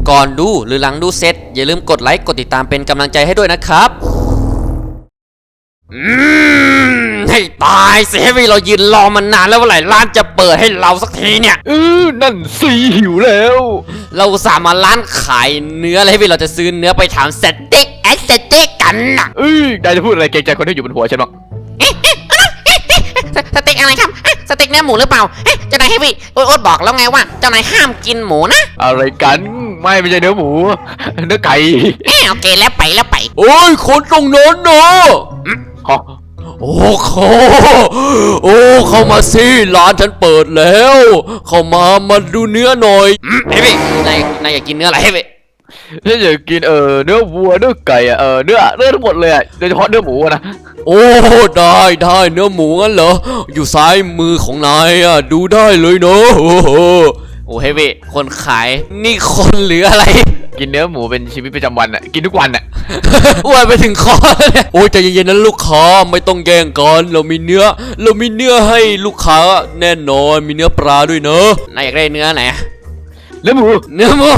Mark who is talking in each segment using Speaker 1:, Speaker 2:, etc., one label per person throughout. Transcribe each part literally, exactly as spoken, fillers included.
Speaker 1: ก่อนดูหรือหลังดูเสร็จอย่าลืมกดไลค์กดติดตามเป็นกำลังใจให้ด้วยนะครับอืมให้ตายสิเฮฟวี่เรายืนรอมานานแล้วเมื่อไหร่ร้านจะเปิดให้เราสักทีเนี่ย
Speaker 2: เออนั่นสิหิวแล้ว
Speaker 1: เราสามารถร้านขายเนื้อเลยเฮฟวี่เราจะซื้อเนื้อไปทำสเต็กแอสเต็กกันนะ
Speaker 2: เอ้ยนายจะพูดอะไรเกรงใจคนที่อยู่บนหัวฉันบ้าง
Speaker 3: สเต็กอะไรครับสเต็กเนื้อหมูหรือเปล่าเจ้านายเฮฟวี่โอ๊ตบอกแล้วไงว่าเจ้านายห้ามกินหมูนะ
Speaker 2: อะไรกันไม่ไม่ใช่เนื้อหมูเนื้อไก่
Speaker 3: โอเคแล้วไปแล้วไป
Speaker 1: โอ้ยคนตรงนั้นเนาะโอ้เขาโอ้เข้ามาสิร้านฉันเปิดแล้วเข้ามามาดูเนื้อหน่อยเฮ้ยนายนายอยากกินเนื้ออะไรเฮ้ย
Speaker 2: ฉันอยากกินเออเนื้อวัวเนื้อไก่อะเออเนื้อเนื้อทั้งหมดเลยอะโดยเฉพาะเนื้อหมูนะ
Speaker 1: โอ้ได้ได้เนื้อหมูงั้นเหรออยู่ซ้ายมือของนายอะดูได้เลยเนาะโอ้โหโอ้เฮ้ยคนขายนี่คนหรืออะไร
Speaker 2: กินเนื้อหมูเป็นชีวิตประจำวันอะกินทุกวันอะ
Speaker 1: อ้วนไปถึงคอเลยโอ้ยใจเย็นๆนะลูกค้าไม่ต้องแย่งกันเรามีเนื้อเรามีเนื้อให้ลูกค้าแน่นอนมีเนื้อปลาด้วยเนอะนายอยากได้เนื้อไหน
Speaker 2: เนื้อหมู
Speaker 1: เนื้อหมู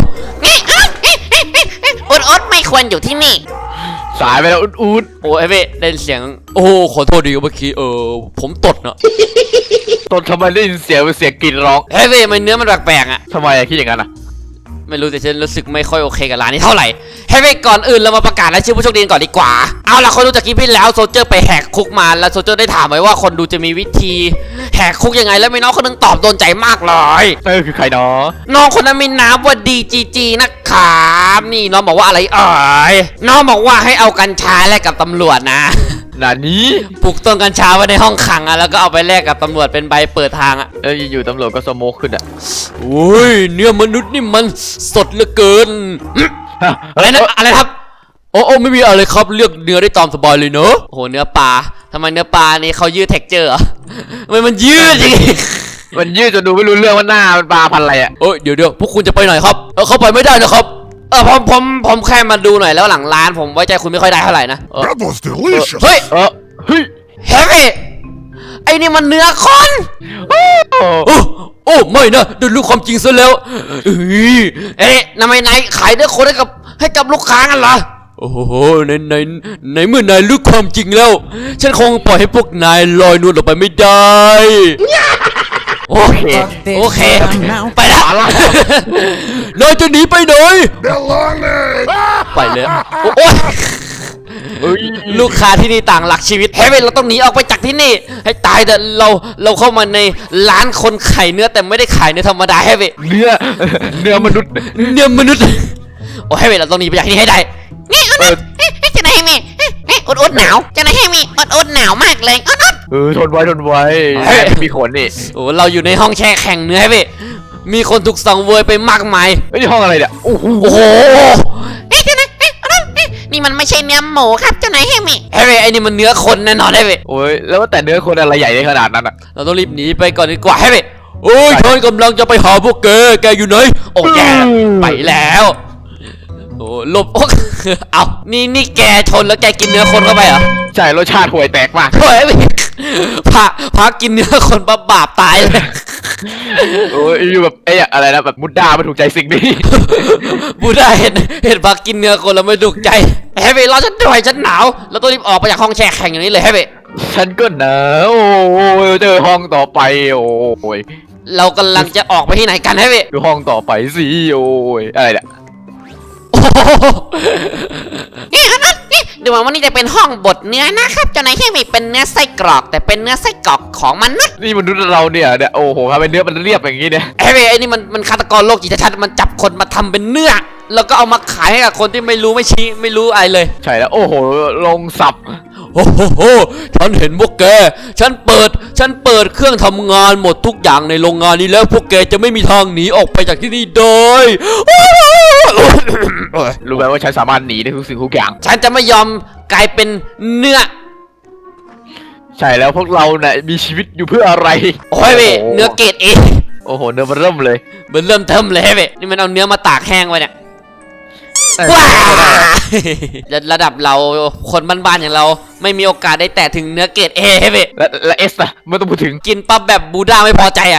Speaker 3: อุดอุดไม่ควรอยู่ที่นี่
Speaker 2: สายไปแล้วอุดอุด
Speaker 1: โอ้เอเว่ได้เสียงโอ้ขอโทษดีเมื่อกี้เออผมตดเนาะ
Speaker 2: ตดทำไมได้ยินเสียงเป็นเสียงกรีดร้อง
Speaker 1: เอเว่มันเนื้อมันแปลกๆอ่ะ
Speaker 2: ทำไมคิดอย่างนั้นอ่ะ
Speaker 1: ไม่รู้แต่ฉันรู้สึกไม่ค่อยโอเคกับร้านนี้เท่าไหร่เฮ้ยก่อนอื่นเรามาประกาศรายชื่อผู้โชคดีก่อนดีกว่าเอาล่ะคนดูจากคลิปที่แล้วโซเจอร์ไปแหกคุกมาแล้วโซเจอร์ได้ถามไว้ว่าคนดูจะมีวิธีแหกคุกยังไงแล้วมีน้องคนนึงตอบโดนใจมากเลย
Speaker 2: เออคือใครเนาะ
Speaker 1: น้องคนนั้นมีนามว่าดีจีจีนะครับนี่น้องบอกว่าอะไรเอ่ยน้องบอกว่าให้เอากัญชาแลกกับตำรวจนะ
Speaker 2: นานี้
Speaker 1: ปลูกต้นกัญชาไว้ในห้องขังอะแล้วก็เอาไปแลกกับตำรวจเป็นใบเปิดทางอะ
Speaker 2: เอออยู่ตำรวจก็สโมกขึ้นอะ
Speaker 1: โอ้ยเนื้อมนุษย์นี่มันสดเหลือเกินอะไรนะอะไรครับโอ้โอ้ไม่มีอะไรครับเลือกเนื้อได้ตามสบายเลยเนอะโอ้โหเนื้อปลาทำไมเนื้อปลานี่เขายืดเท็กเจอร์เหรอทำไมมันยืดจริง
Speaker 2: มันยืดจนดูไม่รู้เรื่องว่าหน้ามันปลาพันอะไรอะ
Speaker 1: เอ้ยเดี๋ยวเดี๋ยวพวกคุณจะไปไหนครับเออเข้าไปไม่ได้นะครับเออผมผมผมแค่มาดูหน่อยแล้วหลังร้านผมไว้ใจคุณไม่ค่อยได้เท่าไหร่นะเฮ้ย
Speaker 2: เออเฮ้ย
Speaker 1: เฮ้ยไอ้นี่มันเนื้อคนโอ้โอ้ไม่นะเดี๋ยวรู้ความจริงซะแล้วเอ๊ะทำไมนายขายเนื้อคนให้กับให้กับลูกค้ากันเหรอโอ้โหในในในเมื่อนายรู้ความจริงแล้วฉันคงปล่อยให้พวกนายลอยนวลออกไปไม่ได้โอเคโอเคไปแล้วนายจะหนีไปไหนไปเลยโอ้ยลูกค้าที่นี่ต่างหลักชีวิตเฮ้ยเราต้องหนีออกไปจากที่นี่ให้ตายแต่เราเราเข้ามาในร้านคนขายเนื้อแต่ไม่ได้ขายเนื้อธรรมดาเฮ้ย
Speaker 2: เนื้อเนื้อมนุษย์
Speaker 1: เนื้อมนุษย์โอ้เฮ้ยเราต้องหนีไปจากที่นี่ให้ได้
Speaker 3: นี่อุดอุดจะไหนให้มีอุดอุดหนาวจะไหนให้มีอุดอุดหนาวมากเลยอุดอุด
Speaker 2: เออทนไว้ทนไว้มีขนนี่
Speaker 1: โอ้เราอยู่ในห้องแช่แข็งเนื้อเฮ้ยมีคนถูกสังเวยไปมากมาย
Speaker 2: ไอ้ห้องอะไรเนี่ยโอ้โห
Speaker 3: นี่มันไม่ใช่เนื้อหมูครับเจ้านายเฮมิ
Speaker 1: เฮ้ยไอ้นี่มันเนื้อคนแน่นอนเฮ้ย
Speaker 2: โอ้ยแล้วแต่เนื้อคนอะไรใหญ่ได้ขนาดนั้นอ่ะ
Speaker 1: เราต้องรีบหนีไปก่อนดีกว่าเฮ้ยโอ้ยฉันกำลังจะไปหาพวกแกแกอยู่ไหนโอ้แกไปแล้วโอ้หลบเอานี่นี่แกชนแล้วแกกินเนื้อคนเข้าไปเหรอ
Speaker 2: ใช่รสชาติห่วยแตกมาก
Speaker 1: เฮ้ยพาพากินเนื้อคนบาบาปตายเลย
Speaker 2: โอ้ยอยู่แบบไอ้อะไรนะแบบมุดดาไม่ถูกใจสิ่งนี้
Speaker 1: มุดดาเห็นเห็นพากินเนื้อคนแล้วไม่ถูกใจเฮ้ยเราฉันด้วยฉันหนาวแล้วต้องรีบออกไปจากห้องแช่แข็งอย่างนี้เลยเฮ้ย
Speaker 2: ฉันก็หนาวโอ้ยเจอห้องต่อไปโอ้ย
Speaker 1: เรากำลังจะออกไปที่ไหนกันเฮ้ย
Speaker 2: ดูห้องต่อไปสิโอ้ยอะไรเนี่ย
Speaker 3: ดูเหมือนว่านี่จะเป็นห้องบดเนื้อนะครับเจ้านายเฮมิเป็นเนื้อไส้กรอกแต่เป็นเนื้อไส้กรอกของมนุษย์
Speaker 2: นี่มนุษย์เราเนี่ยเนี่ยโอ้โหทำเป็นเนื้อมันเรียบอย่างนี้เนี่ย
Speaker 1: เฮ้ยไอ้นี่มันมันฆาตกรโรคจิตชัดมันจับคนมาทำเป็นเนื้อแล้วก็เอามาขายให้กับคนที่ไม่รู้ไม่ชี้ไม่รู้อะไรเลย
Speaker 2: ใช่แล้วโอ้โหลงสับ
Speaker 1: โอ้โหฉันเห็นพวกแกฉันเปิดฉันเปิดเครื่องทำงานหมดทุกอย่างในโรงงานนี้แล้วพวกแกจะไม่มีทางหนีออกไปจากที่นี่ได้
Speaker 2: รู้ไหมว่าฉันสามารถหนีได้ทุกสิ่งทุกอย่าง
Speaker 1: ฉันจะไม่ยอมกลายเป็นเนื้อ
Speaker 2: ใช่แล้วพวกเราเนี่ยมีชีวิตอยู่เพื่ออะไร
Speaker 1: โอ้ยเนื้อเกรดเอ
Speaker 2: โอ้โหเนื้อมันเริ่มเลย
Speaker 1: มันเริ่มเทิมเลยเว้ยนี่มันเอาเนื้อมาตากแห้งไว้เนี่ยว้าระดับเราคนบ้านๆอย่างเราไม่มีโอกาสได้แตะถึงเนื้อเกรดเอเว้ย
Speaker 2: และและเอสอะไม่ต้องพูดถึง
Speaker 1: กินปั๊บแบบบูด้าไม่พอใจอ่ะ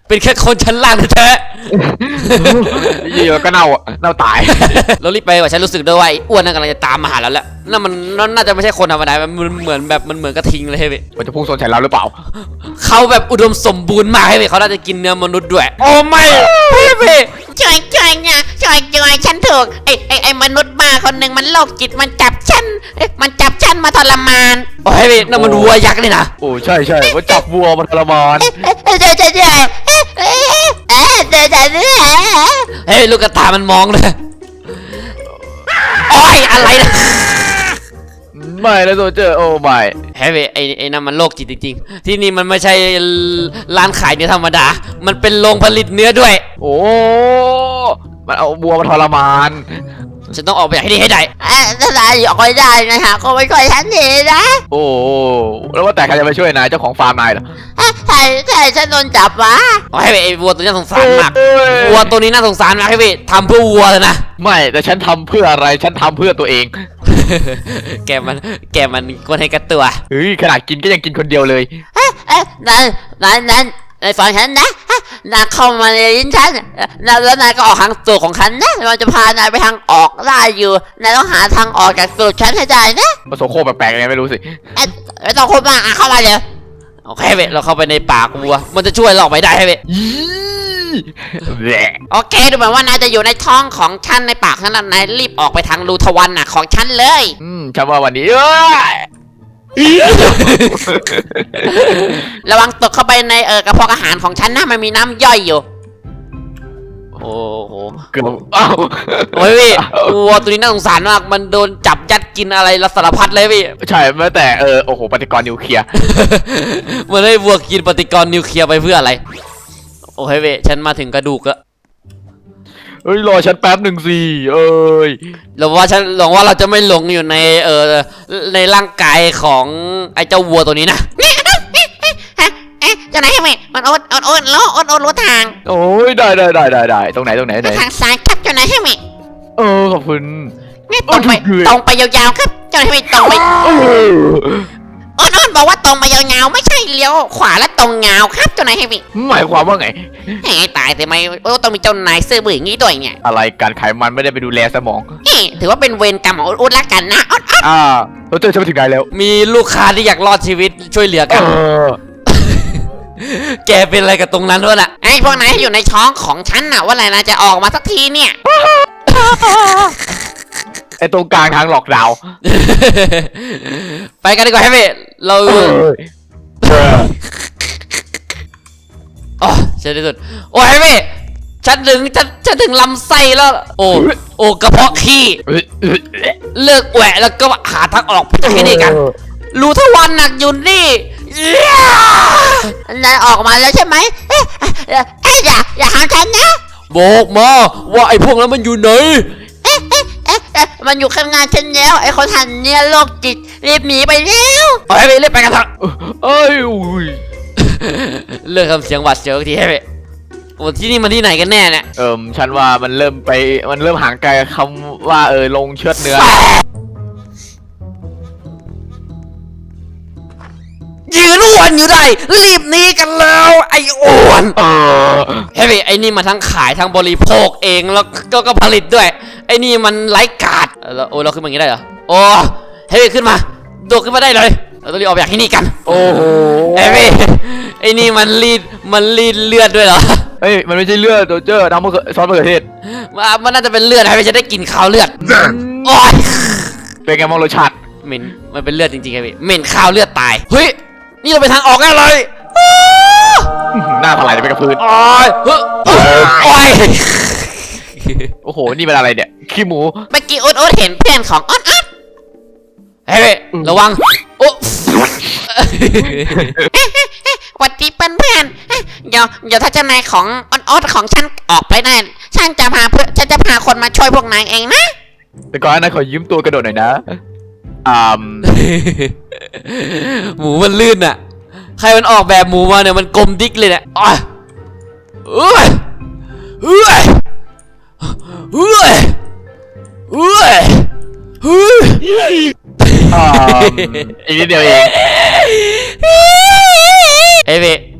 Speaker 1: เป็นแค่คนชั้นล่างแท้
Speaker 2: ยี่ก็เน่าอ่ะเน่าตาย
Speaker 1: ๆเรารีบไปว่าฉันรู้สึกด้วยว่าไอ้อ้วนนั่นกำลังจะตามมาหาเราแล้วนั่นมันนั่นน่าจะไม่ใช่คนธรรมดามันเหมือนแบบมันเหมือนกระทิงเลยเว้ย
Speaker 2: มันจะพุ่งชนใส่เราหรือเปล่า
Speaker 1: เขาแบบอุดมสมบูรณ์มากเว้ยเขาน่าจะกินเนื้อมนุษย์ด้วยโอ้ไม่พี่พี่
Speaker 3: ช่วยช่วยเนี่ยช่วยช่วยฉันถูกไอ้ไอ้ไอ้มนุษย์บ้าคนหนึ่งมันโรคจิตมันจับฉันเอ๊ะมันจับฉันมาทรมาน
Speaker 1: โอ้ยพี่นั่นมันวัวยักษ์นี่นะ
Speaker 2: โอ้ใช่ใช่ว่าจับวัวมันทรมาน
Speaker 3: เอ๊ะเดี๋ยวเดี๋ยวเดี๋ยวเอ๊ะเอ๊ะเอ๊ะเดี๋ยวเดี๋ยวเดี๋ยว
Speaker 1: เฮ้ยลูกกระตามันมองเลยโอ้ยอะไรนะ
Speaker 2: ไม่นะโซเจอร์โอ้ไม่
Speaker 1: เฮ้ยไอ้ไอ้นั่นมันโรคจิตจริงๆที่นี่มันไม่ใช่ร้านขายเนื้อธรรมดา มันเป็นโรงผลิตเนื้อด้วย
Speaker 2: โอ้มันเอาวัวมาทรมาน
Speaker 1: ฉันต้องออกไปจากที่นี่ให้ได้
Speaker 3: เอ๊ะถ้าได้ออกไปได้นะฮะก็ไม่ค่อยฉันดีนะ
Speaker 2: โอ้แล้วว่าแต่ใครจะไปช่วยนายเจ้าของฟาร์มนายเหรอ
Speaker 3: เอ๊ะใช่ใช่ฉันโดนจับวะ
Speaker 1: โอ้ยไอ้วัวตัวนี้น่าสงสารมาก
Speaker 2: โอ้ย
Speaker 1: วัวตัวนี้น่าสงสารมากพี่ทำเพื่อวัวเลยนะ
Speaker 2: ไม่แต่ฉันทำเพื่ออะไรฉันทำเพื่อตัวเอง
Speaker 1: แกมันแกมันกวนให้กระตัว
Speaker 2: เฮ้ยขนาดกินก็ยังกินคนเดียวเลย
Speaker 3: เอ๊ะเอ๊ะนั่นนั่นนั่นไอ้ฟังฉันนะฮะนายเข้ามาในลิ้นฉันแล้วแล้วนายก็ออกทางตูดของฉันนะมันจะพานายไปทางออกได้อยู่นายต้องหาทางออกจากตูดฉันให้ได้นะ
Speaker 2: มันโซโครกแปลกๆยังไงไม่รู้สิ
Speaker 3: เอ๊ะไม่ต้องพูดมากอ่ะเข้ามาเลย
Speaker 1: โอเคเว้ยเราเข้าไปในปากวัว มันจะช่วยเราออกไปได้ให้เว้ย
Speaker 2: ยี่แหละ
Speaker 3: โอเคดูเหมือนว่านายจะอยู่ในท้องของฉันในปากฉันแล้วนายรีบออกไปทางรูทวารน่ะของฉันเลย
Speaker 2: อืมฉันว่าวันนี้เอ้ย
Speaker 3: ระวังตกเข้าไปในเออกระเพาะอาหารของฉันนะมันมีน้ำย่อยอยู่
Speaker 1: โอ้โห
Speaker 2: เกือบอ้าว
Speaker 1: โอ้ยพี่วัวตัวนี้น่าสงสารมาก มันโดนจับยัดกินอะไรละสารพัดเลยพี่
Speaker 2: ใช่แม้แต่เออโอ้โหปฏิกรณ์นิวเคลียร์
Speaker 1: มันให้วัวกินปฏิกรณ์นิวเคลียร์ไปเพื่ออะไร โอ้ยเว้ยฉันมาถึงกระดูกแล้ว
Speaker 2: เฮ้ยรอฉันแป๊บหนึ่งสิเอ้ย
Speaker 1: หรือว่าฉันหวังว่าเราจะไม่หลงอยู่ในเออในร่างกายของไอ้เจ้าวัวตัวนี้นะ
Speaker 3: ฮะเอ๊ะเจ้านายให้ไหมมันโอ๊ตโอ๊ตโอ๊ตโลโอ๊ตโอ๊ตรู้ทาง
Speaker 2: โอ้ยได้ได้ได้ได้ได้ตรงไหนตรงไหนไหน
Speaker 3: ทางซ้ายครับเจ้านายให้ไหม
Speaker 2: เออขอบคุณ
Speaker 3: นี่ตรงไป
Speaker 2: โอ้ย
Speaker 3: ตรงไปยาวๆครับเจ้านายให้ไหมตรงไป
Speaker 2: เออ
Speaker 3: โอ๊ตโอ๊ตบอกว่าตรงไปยาวๆไม่ใช่เลี้ยวขวาแล้วตรงยาวครับเจ้านายให้ไหม
Speaker 2: หมายความว่าไง
Speaker 3: เฮ้ยตายแต่ไม่โอ้ต้องมีเจ้านายซื่อบื้ออย่างนี้ด้วยเนี่ย
Speaker 2: อะไรการไขมันไม่ได้ไปดูแลสมอง
Speaker 3: เฮ้ยถือว่าเป็นเวรกรรมของโอ๊ตโอ๊ตละกันนะโอ๊ตโอ๊ต
Speaker 2: อ่าเราเจอฉันไปถึงไหนแล้ว
Speaker 1: มีลูกค้าที่อยากรอดชีวิตช่วยเหลือ
Speaker 2: เอ
Speaker 1: กัน
Speaker 2: อ
Speaker 1: แกเป็นอะไรกับตรงนั้นวะน่ะ
Speaker 3: ไอ้พวกนายอยู่ในท้องของฉันน่ะว่าอะไรนะจะออกมาสักทีเนี่ย
Speaker 2: ไอตรงกลางทางหลอกดาวน์
Speaker 1: ไปกันดีกว่าให้เว้ยเรา
Speaker 2: เออเออ
Speaker 1: อ๋อเช่นที่สุดโอ้ยให้เว้ยฉันถึงฉันฉันถึงลำไส้แล้ว โอ้โอ้กระเพาะขี้
Speaker 2: เออเออเออ
Speaker 1: เลิกแหวะแล้วก็หาทางออกจากที่นี่กัน รู้ทวันหนักอยู่นี่เอี้ย
Speaker 3: นายออกมาแล้วใช่ไหมเอ๊ะเอ๊ะเอ๊ะอย่าอย่าหามฉันนะ
Speaker 1: บอกมาว่าไอ้พวกนั้นมันอยู่ไหน
Speaker 3: เอ๊ะเอ๊ะเอ๊ะเอ๊ะมันอยู่ข้างหน้าฉันแล้วไอ้คนหันเนี่ยโรคจิตรีบหนีไปแล้ว
Speaker 1: เอาให้เว้ยรีบไปกันเถอะ
Speaker 2: เอ้ยอุ้ย
Speaker 1: เลิกทำเสียงหวาดเสียวทีให้เว้ยโอ้ที่นี่มันที่ไหนกันแน่เนี่ย
Speaker 2: เอิมฉันว่ามันเริ่มไปมันเริ่มห่างไกลคำว่าเออลงเชือดเนื้อ
Speaker 1: ยืนอ้วนอยู่ได้รีบหนีกันแล้วไอ้อ้วน
Speaker 2: เออ
Speaker 1: เฮ้ยไอ้นี่มาทั้งขายทั้งบริโภคเองแล้วก็ก็ผลิตด้วยไอ้นี่มันไร้กาดเออแล้วโอ้เราขึ้นมาอย่างนี้ได้เหรอโอ้เฮ้ยขึ้นมาโดดขึ้นมาได้เลยเราต้องรีบออกจากที่นี่กัน
Speaker 2: โอ้โห
Speaker 1: เฮ้ยไอ้นี่มันรีดมันรีดเลือดด้วยเหรอ
Speaker 2: เฮ้ยมันไม่ใช่เลือดโดเจอร์น้ำมะเขือซอสมะเขือเทศ
Speaker 1: มันมันน่าจะเป็นเลือดให้จะได้กินข้าวเลือดโอ้ย
Speaker 2: เป็นไงมองรสชาติ
Speaker 1: เหม็นมันเป็นเลือดจริงๆไงพี่เหม็นข้าวเลือดตายเฮ้ยนี่เราไปทางออกแน่เลย
Speaker 2: หน้าถลายไปกับพื้น
Speaker 1: โอ้ยเฮ้ยโอ้ย
Speaker 2: โอ้โหนี่เป็นอะไรเนี่ยขี้หมู
Speaker 3: เมื่อกี้โอ๊ตโอ๊ตเห็นเพื่อนของโอ๊ตโอ๊ต
Speaker 1: เฮ้ยระวังโอ้
Speaker 3: หวัดดีเพื่อนเพื่อนเอ๊ะเดี๋ยวเดี๋ยวถ้าเจ้านายของโอ๊ตโอ๊ตของฉันออกไปได้ฉันจะพาเพื่อนฉันจะพาคนมาช่วยพวกนายเองนะ
Speaker 2: แต่ก่อนนั้นขอยืมตัวกระโดดหน่อยนะอ่า
Speaker 1: หมูมันลื่นอ่ะ ใครมันออกแบบหมูมาเนี่ยมันกลมดิ๊กเลยเนี่ยอ้อยเอ้ยเอ้ยเอ้ยเอ้ยเฮ้ย
Speaker 2: อ่าอีกนิดเดียวเอง
Speaker 1: เอ้ยเว้ย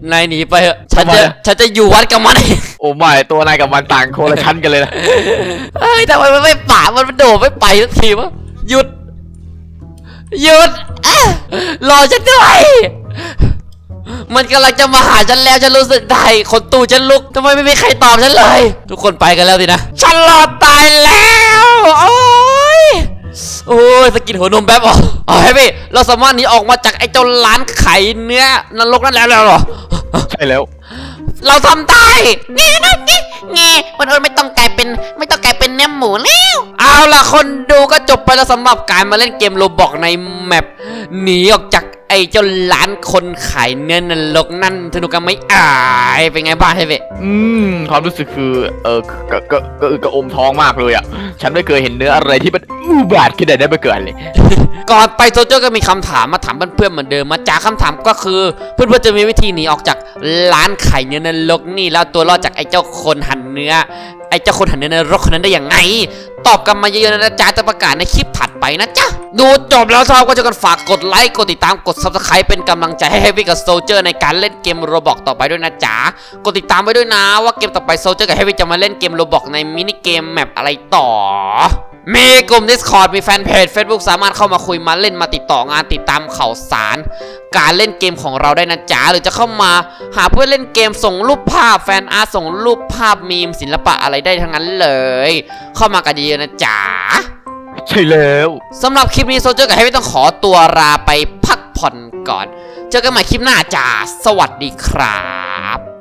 Speaker 1: นายหนีไปเถอะฉัน
Speaker 2: ทำไม
Speaker 1: จะ
Speaker 2: อะ
Speaker 1: ฉันจะอยู่วัดกับมันเอง
Speaker 2: โอ้ไม่ตัวนายกับมันต่างคนละชั้นกันเลยนะ
Speaker 1: เฮ้ยทำไมมันไม่ป่ามันโดดไม่ไปสักทีวะหยุดหยุดเอ๊ะรอฉันด้วยมันกำลังจะมาหาฉันแล้วฉันรู้สึกได้คนตู้ฉันลุกทำไมไม่มีใครตอบฉันเลย ทุกคนไปกันแล้วสินะฉันรอดตายแล้วโอ้ยโอ้ยสกินหัวนมแป๊บอ๋ออ๋อเฮ้ยพี่เราสามารถหนีออกมาจากไอ้เจ้าร้านขายเนื้อนรกนั่นแล้วแล้วเหรอ
Speaker 2: ใช่แล้ว
Speaker 1: เราทำได้
Speaker 3: เงี้ยนะเงี้ยเงี้ยวันอื่นไม่ต้องกลายเป็นไม่ต้องกลายเป็นเนื้อหมูแล้ว
Speaker 1: เอาล่ะคนดูก็จบไปแล้วสำหรับการมาเล่นเกมโรบอกในแมปหนีออกจากไอ้เจ้าร้านคนขายเนื้อนรกนั่นสนุกกันไหมอายเป็นไงบ้างเฮ้ยเว้ย
Speaker 2: อืมความรู้สึกคือเออก็ก็ก็ก็อมท้องมากเลยอ่ะฉันไม่เคยเห็นเนื้ออะไรที่มันอุบาทขนาดนั้นมาก่อนเลย
Speaker 1: ก่อนไปโซเจอร์ก็มีคำถามมาถามเพื่อนๆเหมือนเดิมมาจากคำถามก็คือเพื่อนๆจะมีวิธีหนีออกจากร้านขายเนื้อนรกนี่แล้วตัวรอดจากไอ้เจ้าคนหั่นเนื้อไอ้เจ้าคนหั่นเนื้อนรกคนนั้นได้ยังไง ตอบกันมาเยอะๆนะจ๊ะจะประกาศในคลิปถัดไปนะจ๊ะดูจบแล้วชอบก็จะกันฝากกดไลค์กดติดตามกด ซับสไครบ์ เป็นกำลังใจให้เฮฟวี่กับโซเจอร์ในการเล่นเกมโรบอกต่อไปด้วยนะจ๊ะกดติดตามไว้ด้วยนะว่าเกมต่อไปโซเจอร์กับเฮฟวี่จะมาเล่นเกมโรบอกในมินิเกมแมปอะไรต่อ มีกลุ่ม Discord มีแฟนเพจ Facebook สามารถเข้ามาคุยมาเล่นมาติดต่องานติดตามข่าวสาร การเล่นเกมของเราได้นะจ๊ะหรือจะเข้ามาหาเพื่อนเล่นเกมส่งรูปภาพแฟนอาร์ตส่งรูปภาพมีมศิลปะอะไรได้ทั้งนั้นเลย เข้ามากันเยอะๆนะจ๊ะ
Speaker 2: ใช่แล้ว
Speaker 1: สำหรับคลิปนี้โซเจอร์กับเฮฟวี่ต้องขอตัวลาไปพักผ่อนก่อน เจอกันใหม่คลิปหน้าจ้าสวัสดีครับ